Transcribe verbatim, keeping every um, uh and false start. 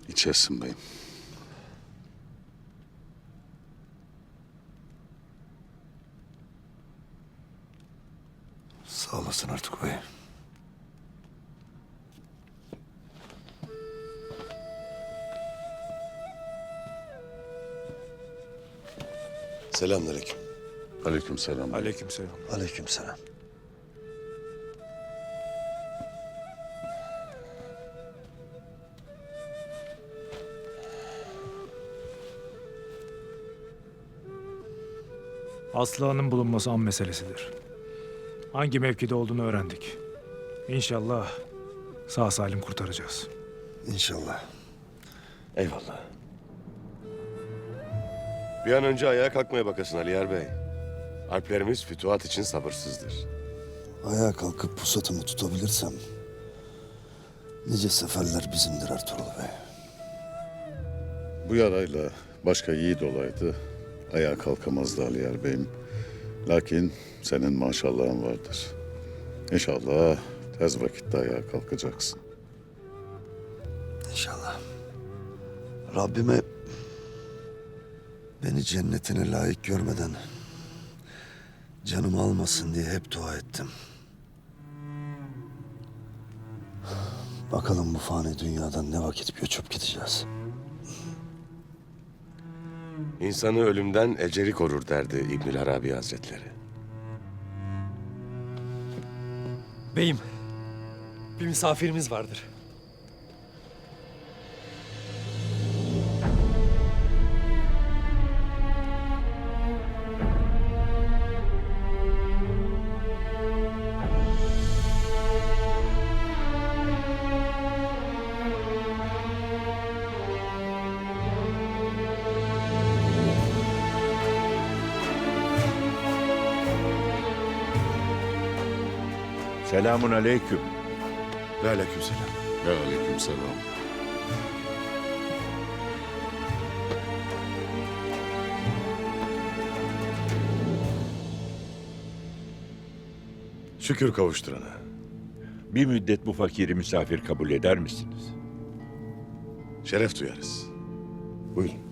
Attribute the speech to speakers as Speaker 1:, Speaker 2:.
Speaker 1: İçersin beyim.
Speaker 2: Sağ olasın Ertuğ Bey.
Speaker 3: Selamünaleyküm.
Speaker 1: Aleykümselam.
Speaker 4: Aleykümselam.
Speaker 2: Aleykümselam.
Speaker 4: Aslıhan'ın bulunması an meselesidir. Hangi mevkide olduğunu öğrendik. İnşallah sağ salim kurtaracağız.
Speaker 2: İnşallah.
Speaker 3: Eyvallah. Bir an önce ayağa kalkmaya bakasın Aliyar Bey. Alplerimiz fütuhat için sabırsızdır.
Speaker 2: Ayağa kalkıp pusatımı tutabilirsem nice seferler bizimdir Ertuğrul Bey.
Speaker 1: Bu yarayla başka yiğit olaydı, ayağa kalkamazdı Aliyar beyim. Lakin senin maşallahın vardır. İnşallah tez vakitte ayağa kalkacaksın.
Speaker 2: İnşallah. Rabbime beni cennetine layık görmeden canımı almasın diye hep dua ettim. Bakalım bu fani dünyadan ne vakit göçüp gideceğiz.
Speaker 3: İnsanı ölümden eceli korur derdi İbnül Arabi Hazretleri.
Speaker 5: Beyim, bir misafirimiz vardır.
Speaker 6: Selamun aleyküm.
Speaker 3: Ve aleykümselam.
Speaker 1: Ve aleykümselam.
Speaker 3: Şükür kavuşturana.
Speaker 6: Bir müddet bu fakiri misafir kabul eder misiniz?
Speaker 3: Şeref duyarız. Buyurun.